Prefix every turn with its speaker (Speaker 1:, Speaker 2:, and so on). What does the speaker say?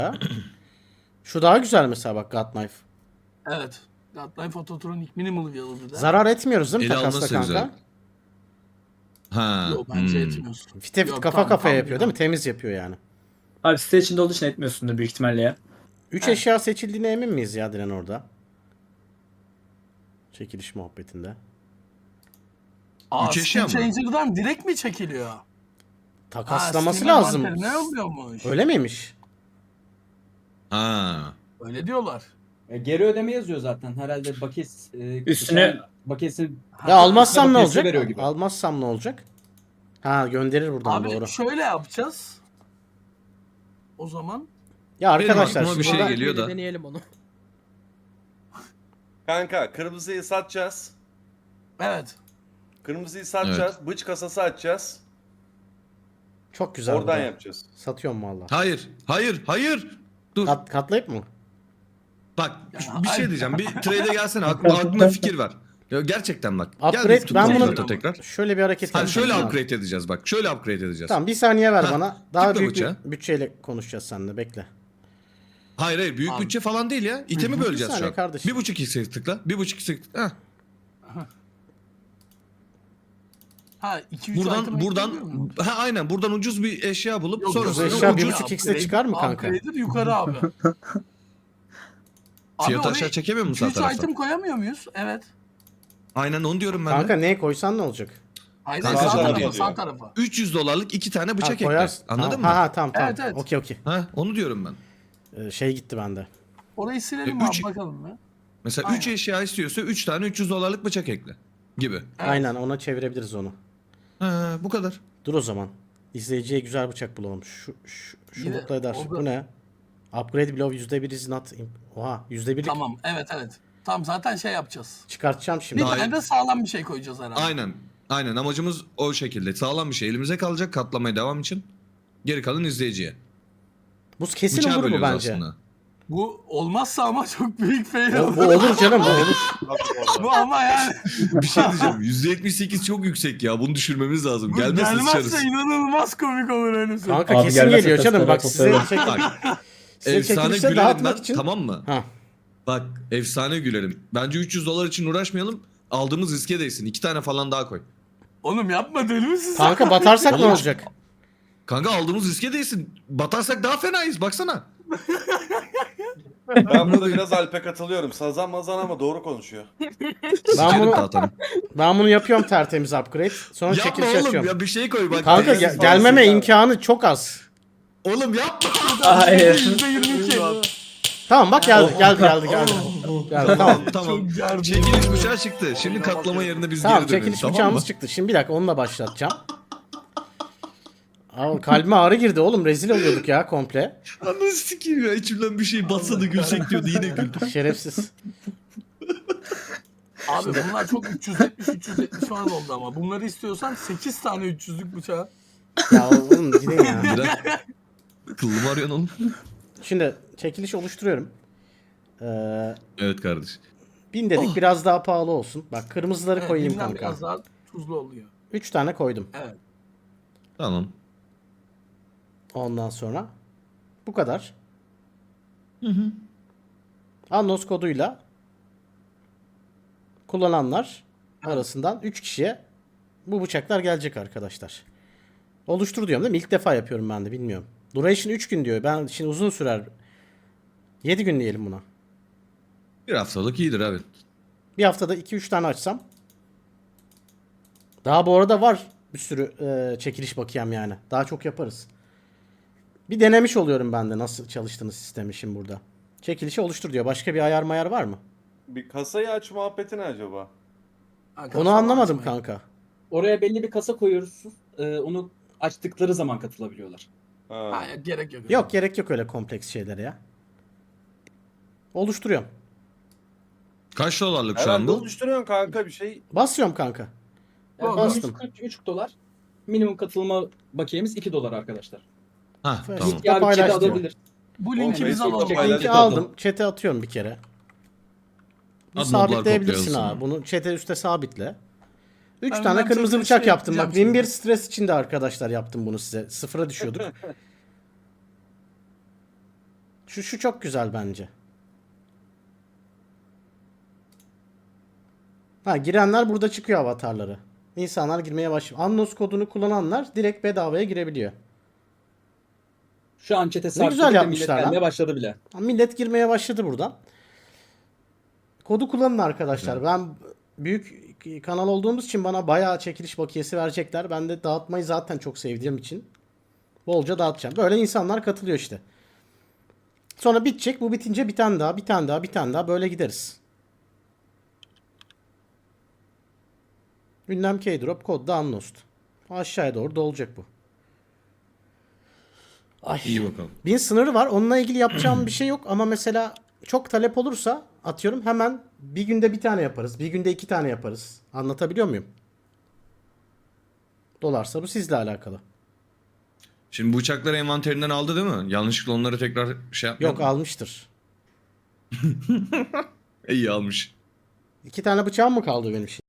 Speaker 1: Şu daha güzel mesela bak God Knife.
Speaker 2: Evet. Godlife Phototronic Minimal Wheel'ı da.
Speaker 1: Zarar etmiyoruz değil mi
Speaker 3: Ele
Speaker 1: takasla
Speaker 3: alması
Speaker 1: kanka?
Speaker 3: güzel. Ha.
Speaker 2: Yok bence etmiyorsun.
Speaker 1: Fite fit
Speaker 2: Yok,
Speaker 1: kafa
Speaker 2: tam-
Speaker 1: kafaya
Speaker 2: tam
Speaker 1: yapıyor
Speaker 2: ya.
Speaker 1: değil mi? Temiz yapıyor yani.
Speaker 4: Abi site içinde olduğu için etmiyorsundur büyük ihtimalle ya.
Speaker 1: 3
Speaker 2: Evet.
Speaker 1: eşya seçildiğine emin miyiz ya Diren orada? Çekiliş muhabbetinde.
Speaker 2: Aa,
Speaker 3: Üç eşya
Speaker 2: Steam
Speaker 3: mı?
Speaker 2: Changer'dan direkt mi çekiliyor?
Speaker 1: Takaslaması
Speaker 2: Steam
Speaker 1: lazım.
Speaker 2: envanteri ne oluyormuş?
Speaker 1: Öyle miymiş?
Speaker 3: Ha.
Speaker 2: Öyle diyorlar.
Speaker 5: Geri ödeme yazıyor zaten. Herhalde bakiyes
Speaker 4: Üstüne-
Speaker 5: bakiyesi
Speaker 1: Ya almazsam ne
Speaker 5: bakiyesi
Speaker 1: olacak?
Speaker 5: veriyor gibi.
Speaker 1: Almazsam ne olacak? Ha gönderir buradan
Speaker 2: Abi
Speaker 1: doğru.
Speaker 2: şöyle yapacağız. O zaman
Speaker 1: Ya arkadaşlar
Speaker 3: aklıma bir şey
Speaker 1: burada-
Speaker 3: geliyor da.
Speaker 6: Deneyelim onu.
Speaker 7: Kanka kırmızıyı satacağız.
Speaker 2: evet.
Speaker 7: Kırmızıyı satacağız. Bıç kasası açacağız.
Speaker 1: çok güzel.
Speaker 7: Oradan
Speaker 1: burada.
Speaker 7: yapacağız.
Speaker 1: Satıyorum valla.
Speaker 3: Hayır. Hayır. Hayır. Dur.
Speaker 1: Katlayıp mı?
Speaker 3: Bak bir şey
Speaker 2: hayır.
Speaker 3: diyeceğim. Bir trade'e gelsene. Aklına fikir ver. Ya gerçekten bak.
Speaker 1: Upgrade,
Speaker 3: Gel bir
Speaker 1: ben bunu-
Speaker 3: tutun tekrar.
Speaker 1: Şöyle bir hareket
Speaker 3: Hani şöyle
Speaker 1: yapacağım.
Speaker 3: upgrade edeceğiz bak. Şöyle upgrade edeceğiz.
Speaker 1: Tamam bir saniye ver
Speaker 3: Ha,
Speaker 1: bana. Daha
Speaker 3: tıkla
Speaker 1: büyük
Speaker 3: bıçağı.
Speaker 1: bir bütçeyle konuşacağız seninle. Bekle.
Speaker 3: Hayır hayır. Büyük
Speaker 2: Abi.
Speaker 3: bütçe falan değil ya. İtemi
Speaker 1: Bir
Speaker 3: böleceğiz şu
Speaker 1: saniye
Speaker 3: an.
Speaker 1: kardeşim.
Speaker 3: 1.5x'e tıkla. 1.5x'e tıkla. Heh.
Speaker 2: Ha 2-3 item
Speaker 3: Buradan
Speaker 2: ekleyebiliyor muyum?
Speaker 3: ha aynen buradan ucuz bir eşya bulup
Speaker 2: Yok,
Speaker 3: sonrasında
Speaker 1: ucuz eşya
Speaker 3: ucuz
Speaker 1: 1.5x'e çıkar mı kanka?
Speaker 2: Upgrade'dir yukarı abi.
Speaker 3: fiyatı
Speaker 2: oraya
Speaker 3: aşağı çekemiyor musun sağ
Speaker 2: 2-3
Speaker 3: taraftan?
Speaker 2: item koyamıyor muyuz? Evet.
Speaker 3: Aynen onu diyorum ben
Speaker 1: Kanka
Speaker 3: de.
Speaker 1: neye koysan ne olacak?
Speaker 2: Aynen
Speaker 3: Kanka,
Speaker 2: sağ
Speaker 3: sağ
Speaker 2: tarafa,
Speaker 7: tarafa
Speaker 2: sağ
Speaker 7: diyor.
Speaker 2: tarafa.
Speaker 3: 300 dolarlık 2 tane
Speaker 1: Ha,
Speaker 3: bıçak ekle.
Speaker 1: koyarsın.
Speaker 3: Anladın
Speaker 1: Tamam.
Speaker 3: mı?
Speaker 1: Ha tamam tamam.
Speaker 2: Evet, evet.
Speaker 1: Okey okey.
Speaker 3: Ha onu diyorum ben.
Speaker 1: Şey gitti bende.
Speaker 2: Orayı silelim
Speaker 3: Üç-
Speaker 2: abi bakalım ya.
Speaker 3: Mesela
Speaker 2: Aynen.
Speaker 3: 3 eşya istiyorsa 3 tane 300 dolarlık bıçak ekle gibi.
Speaker 2: Evet.
Speaker 1: Aynen ona çevirebiliriz onu.
Speaker 3: Ha bu kadar.
Speaker 1: Dur o zaman. İzleyiciye güzel bıçak bulalım. Şu
Speaker 2: Yine
Speaker 1: mutlu eder.
Speaker 2: oldu.
Speaker 1: Bu ne? Upgrade below %1 is not... Oha %1'lik
Speaker 2: Tamam evet evet. Tamam zaten şey yapacağız.
Speaker 1: çıkartacağım şimdi.
Speaker 2: Bir
Speaker 3: Daha-
Speaker 2: tane de sağlam bir şey koyacağız herhalde.
Speaker 3: Aynen. Aynen amacımız o şekilde. Sağlam bir şey elimize kalacak katlamaya devam için. Geri kalan izleyiciye.
Speaker 1: Bu kesin
Speaker 3: Bıçağı
Speaker 1: olur mu
Speaker 3: bölüyoruz
Speaker 1: bence?
Speaker 3: aslında.
Speaker 2: Bu olmazsa ama çok büyük fail
Speaker 1: Bu,
Speaker 2: olur.
Speaker 1: bu olur canım bu olur.
Speaker 2: Bu ama yani.
Speaker 3: Bir şey diyeceğim. %78 çok yüksek ya. Bunu düşürmemiz lazım.
Speaker 2: Bu
Speaker 3: Gelmezse
Speaker 2: gelmezse
Speaker 3: sıçarız.
Speaker 2: inanılmaz komik olur öyle söyleyeyim.
Speaker 1: Kanka
Speaker 4: Abi
Speaker 1: kesin
Speaker 4: gelmezse
Speaker 1: geliyor canım.
Speaker 4: testleri
Speaker 1: Bak size,
Speaker 4: toplayalım.
Speaker 3: Bak.
Speaker 1: size
Speaker 3: Efsane
Speaker 1: çekilişte
Speaker 3: gülerim
Speaker 1: dağıtmak
Speaker 3: ben.
Speaker 1: için.
Speaker 3: Tamam mı?
Speaker 1: Ha.
Speaker 3: Bak efsane gülerim. Bence 300 dolar için uğraşmayalım. Aldığımız riske değsin. 2 tane falan daha koy.
Speaker 2: Oğlum yapma deli misin sen?
Speaker 1: Kanka batarsak ne
Speaker 3: Oğlum,
Speaker 1: olacak?
Speaker 3: Kanka aldığımız riske değsin. Batarsak daha fenayız. Baksana.
Speaker 7: Ben burada biraz Alp'e katılıyorum. Sazan mazan ama doğru konuşuyor.
Speaker 1: Ben bunu,
Speaker 3: Tahtanı.
Speaker 1: ben bunu yapıyorum tertemiz upgrade. Sonra
Speaker 3: Yapma
Speaker 1: çekiliş
Speaker 3: oğlum
Speaker 1: açıyorum.
Speaker 3: ya bir şey koy bak.
Speaker 1: Kanka
Speaker 7: Gelmesi
Speaker 1: gelmeme
Speaker 7: lazım.
Speaker 1: imkanı çok az.
Speaker 3: Oğlum yapma.
Speaker 4: Hayır.
Speaker 2: %22.
Speaker 1: Tamam bak geldi geldi geldi geldi. Geldi tamam.
Speaker 3: Tamam.
Speaker 2: Çok gerdim.
Speaker 3: Çekiliş bıçağı çıktı. Şimdi katlama yerine biz
Speaker 1: Tamam
Speaker 3: geri dönelim.
Speaker 1: çekiliş
Speaker 3: Tamam
Speaker 1: bıçağımız
Speaker 3: mı?
Speaker 1: çıktı. Şimdi bir dakika onunla başlatacağım. Abi kalbime ağrı girdi oğlum. Rezil oluyorduk ya komple.
Speaker 3: Ananı sikeyim ya. İçimden bir şey batsa da gülsek diyordu. Yine güldüm.
Speaker 1: Şerefsiz.
Speaker 2: Abi bunlar çok 370 falan oldu ama. Bunları istiyorsan 8 tane 300'lük bıçağı.
Speaker 1: Ya oğlum gidin ya.
Speaker 3: Biraz kıllım arıyorsun oğlum.
Speaker 1: Şimdi çekiliş oluşturuyorum.
Speaker 3: Evet kardeş.
Speaker 1: 1000 dedik biraz daha pahalı olsun. Bak kırmızıları
Speaker 2: Evet,
Speaker 1: koyayım
Speaker 2: bilmem,
Speaker 1: kanka.
Speaker 2: biraz daha tuzlu oluyor.
Speaker 1: 3 tane koydum.
Speaker 2: Evet.
Speaker 3: Tamam.
Speaker 1: Ondan sonra bu kadar. Anons koduyla kullananlar arasından 3 kişiye bu bıçaklar gelecek arkadaşlar. Oluştur diyorum değil mi? İlk defa yapıyorum ben de bilmiyorum. Duration 3 gün diyor. Ben şimdi uzun sürer. 7 gün diyelim buna.
Speaker 3: Bir haftalık iyidir abi.
Speaker 1: Bir haftada 2-3 tane açsam. Daha bu arada var bir sürü çekiliş bakiyem yani. Daha çok yaparız. Bir denemiş oluyorum ben de nasıl çalıştığını sistemi şimdi burada. Çekilişi oluştur diyor. Başka bir ayar mayar var mı?
Speaker 7: Bir kasayı aç muhabbeti ne acaba?
Speaker 2: Arkadaşlar,
Speaker 1: Onu anlamadım
Speaker 2: açmayın.
Speaker 1: kanka.
Speaker 5: Oraya belli bir kasa koyuyoruz. Onu açtıkları zaman katılabiliyorlar.
Speaker 7: Ha.
Speaker 2: Hayır gerek yok.
Speaker 1: Yok gerek yok öyle kompleks şeylere ya. Oluşturuyorum.
Speaker 3: Kaç dolarlık şu an
Speaker 7: Herhalde
Speaker 3: bu?
Speaker 7: oluşturuyorsun kanka bir şey.
Speaker 1: Basıyorum kanka.
Speaker 5: Yani
Speaker 1: Bastım.
Speaker 5: 143 dolar. Minimum katılma bakiyemiz 2 dolar arkadaşlar.
Speaker 3: Ha
Speaker 1: Evet.
Speaker 3: tamam.
Speaker 5: Yani
Speaker 1: Paylaş
Speaker 5: chat'e
Speaker 1: diyor.
Speaker 5: alabilir.
Speaker 2: Bu linki
Speaker 7: Oğlum,
Speaker 2: biz
Speaker 7: Facebook'ta
Speaker 2: alalım.
Speaker 7: paylaş.
Speaker 1: Linki
Speaker 7: Paylaştık
Speaker 1: aldım. Chat'e atıyorum bir kere. Bunu
Speaker 3: Ad notlar
Speaker 1: sabitleyebilirsin
Speaker 3: kopyalasın.
Speaker 1: ha. Bunu chat'e üstte sabitle. 3
Speaker 2: Ben-
Speaker 1: tane
Speaker 2: ben
Speaker 1: kırmızı
Speaker 2: chat'e
Speaker 1: bıçak
Speaker 2: şey
Speaker 1: yaptım. Bak
Speaker 2: yapacağım
Speaker 1: 1001
Speaker 2: şimdi.
Speaker 1: stres içinde arkadaşlar yaptım bunu size. Sıfıra düşüyorduk. Şu çok güzel bence. Ha, girenler burada çıkıyor avatarları. İnsanlar girmeye başlıyor. Annos kodunu kullananlar direkt bedavaya girebiliyor.
Speaker 5: Şu an çete
Speaker 1: güzel
Speaker 5: sarktı. Millet
Speaker 1: yapmışlar lan.
Speaker 5: gelmeye başladı bile.
Speaker 1: Ha, millet girmeye başladı buradan. Kodu kullanın arkadaşlar. Ben büyük kanal olduğumuz için bana bayağı çekiliş bakiyesi verecekler. Ben de dağıtmayı zaten çok sevdiğim için bolca dağıtacağım. Böyle insanlar katılıyor işte. Sonra bitecek. Bu bitince bir tane daha, bir tane daha, bir tane daha böyle gideriz. Ünlem Keydrop, kod da Unlost. Aşağıya doğru dolacak bu. Ay.
Speaker 3: İyi bakalım.
Speaker 1: 1000 sınırı var. Onunla ilgili yapacağım bir şey yok ama mesela çok talep olursa atıyorum hemen bir günde bir tane yaparız. Bir günde 2 tane yaparız. Anlatabiliyor muyum? Dolarsa bu sizle alakalı.
Speaker 3: Şimdi bu bıçakları envanterinden aldı değil mi? Yanlışlıkla onları tekrar şey yapmıyor
Speaker 1: Yok,
Speaker 3: mu?
Speaker 1: almıştır.
Speaker 3: İyi almış.
Speaker 1: 2 tane bıçağım mı kaldı benim şimdi?